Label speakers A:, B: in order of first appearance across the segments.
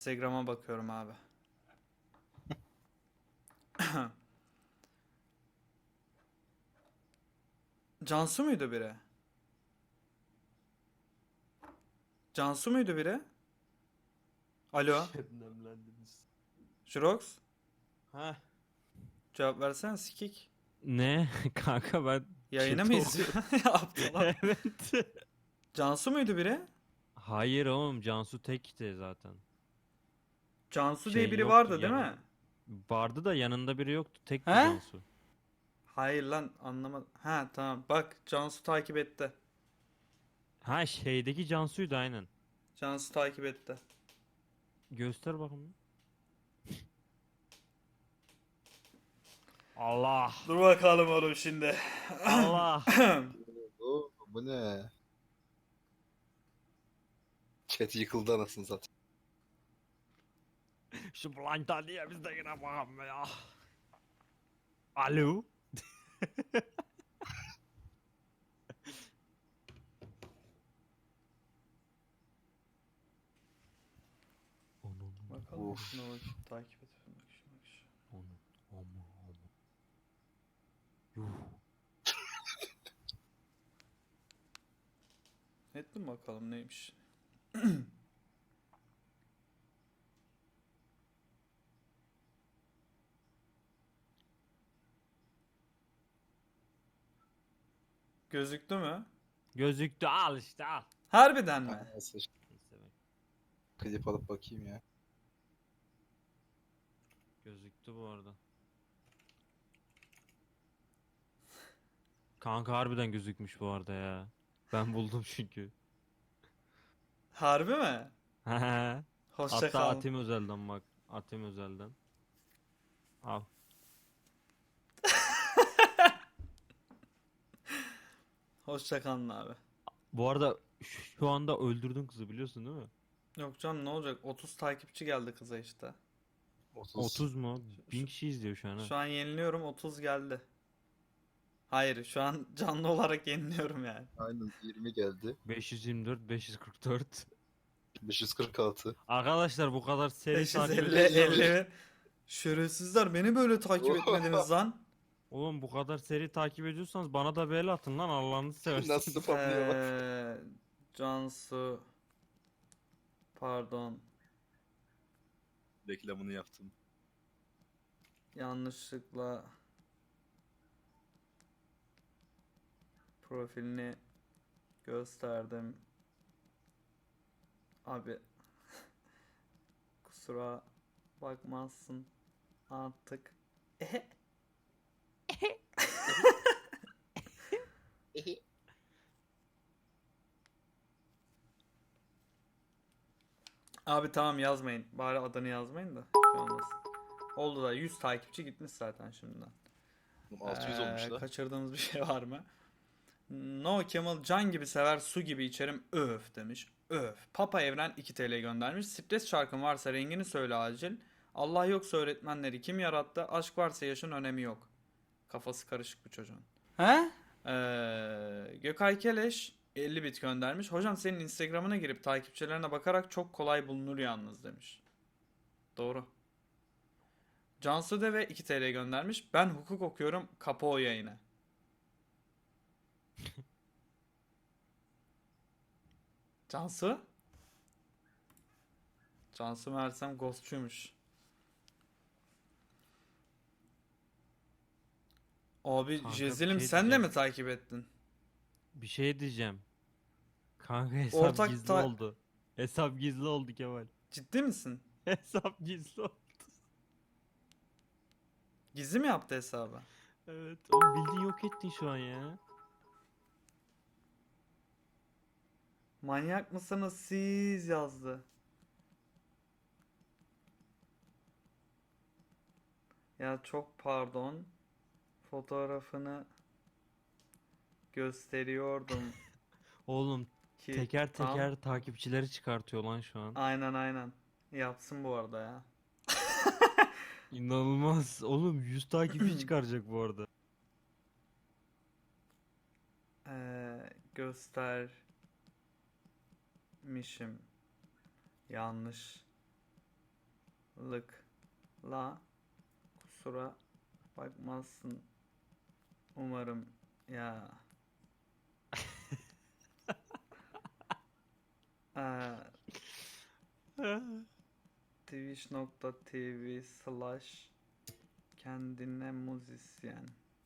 A: Instagram'a bakıyorum abi. Cansu muydu biri? Cansu muydu biri? Alo.
B: Şebnemlendiniz.
A: Jirox.
B: Ha?
A: Cevap versene sikik.
B: Ne? Kanka ben
A: Yayını mı
B: chat'i okuyorum.
A: izliyorsun? Aptal.
B: Evet.
A: Cansu muydu biri?
B: Hayır oğlum, Cansu tekti zaten.
A: Cansu diye
B: Şey
A: biri
B: yoktu
A: vardı değil
B: yanın.
A: mi?
B: Vardı da yanında biri yoktu. Tekti
A: He?
B: Cansu.
A: Hayır lan anlamadım. Ha tamam bak Cansu takip etti.
B: Ha, şeydeki Cansu'ydu aynen.
A: Cansu takip etti.
B: Göster bakayım. Allah.
A: Dur bakalım oğlum şimdi.
B: Allah.
C: Bu ne? Chat yıkıldı anasını satayım.
B: Şu blind niye biz de yine bakalım ya. Alo. Onun.
A: Bakalım
C: Of.
A: şuna bak. Takip et. Bak şuna bak şuna.
B: Onun. Ama. Yuh.
A: Ettim bakalım neymiş. Gözüktü mü?
B: Gözüktü, al işte al.
A: Harbiden mi?
C: Nasıl
B: Neyse bak.
C: klip alıp bakayım ya.
B: Gözüktü bu arada. Kanka harbiden gözükmüş bu arada ya. Ben buldum çünkü.
A: Harbi mi? Hoşça
B: Hatta
A: kal.
B: Atim Özel'den bak. Atim Özel'den. Al.
A: Hoşça kalın abi.
B: Bu arada şu anda öldürdün kızı, biliyorsun değil mi?
A: Yok canım ne olacak? 30 takipçi geldi kıza işte.
B: 30 mu?
A: Şu,
B: 1000 kişi izliyor şu an ha.
A: şu an yeniliyorum 30 geldi. Hayır şu an canlı olarak yeniliyorum yani.
C: Aynen 20 geldi.
B: 524, 544.
C: 546.
B: Arkadaşlar bu kadar seri takip
A: 550
B: ediyorsanız...
A: 50. Şerefsizler beni böyle takip etmediniz lan.
B: Oğlum bu kadar seri takip ediyorsanız bana da bir el atın lan, Allah'ını seversen.
C: Nasıl spamlıyor bak.
A: Cansu pardon
C: Reklamını yaptım.
A: yanlışlıkla profilini gösterdim. Abi kusura bakmazsın artık. Abi tamam yazmayın. Bari adını yazmayın da şey olmasın. Oldu da 100 takipçi gitmiş zaten şimdiden.
C: 600 olmuş da.
A: Kaçırdığımız bir şey var mı? No Kemal can gibi sever su gibi içerim öf demiş. Öf. Papa Evren 2 TL göndermiş. Stres şarkın varsa rengini söyle acil. Allah yoksa öğretmenleri kim yarattı? Aşk varsa yaşın önemi yok. Kafası karışık bu çocuğun. He? Gökay Keleş 50 bit göndermiş. Hocam senin Instagram'ına girip takipçilerine bakarak çok kolay bulunur yalnız demiş. Doğru. Cansu Deve 2 TL göndermiş. Ben hukuk okuyorum. Kapı o yayını. Cansu? Cansu Mersem ghostçuymuş. Abi
B: Kanka bir
A: Jezilim
B: şey
A: sen de
B: diyeceğim.
A: mi takip ettin?
B: Bir şey diyeceğim. Kanka hesap
A: Ortak
B: gizli oldu. Hesap gizli oldu Kemal.
A: Ciddi misin?
B: Hesap gizli oldu.
A: Gizli mi yaptı hesabı?
B: Evet. Oğlum bildiğin yok ettin şu an ya.
A: Manyak mısınız siz yazdı. Ya çok pardon. Fotoğrafını gösteriyordum
B: Oğlum
A: ki
B: teker
A: tam.
B: teker takipçileri çıkartıyor lan şu an.
A: Aynen aynen. Yapsın bu arada ya.
B: İnanılmaz. Oğlum 100 takipçi çıkaracak bu arada.
A: Göstermişim. Yanlış Kolaylıkla kusura bakmazsın umarım ya. Eee, twitch.tv/kendine müzisyen.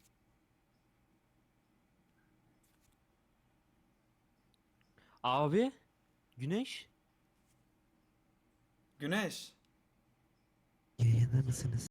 B: Abi. Güneş.
A: Güneş.
D: Yayında mısınız?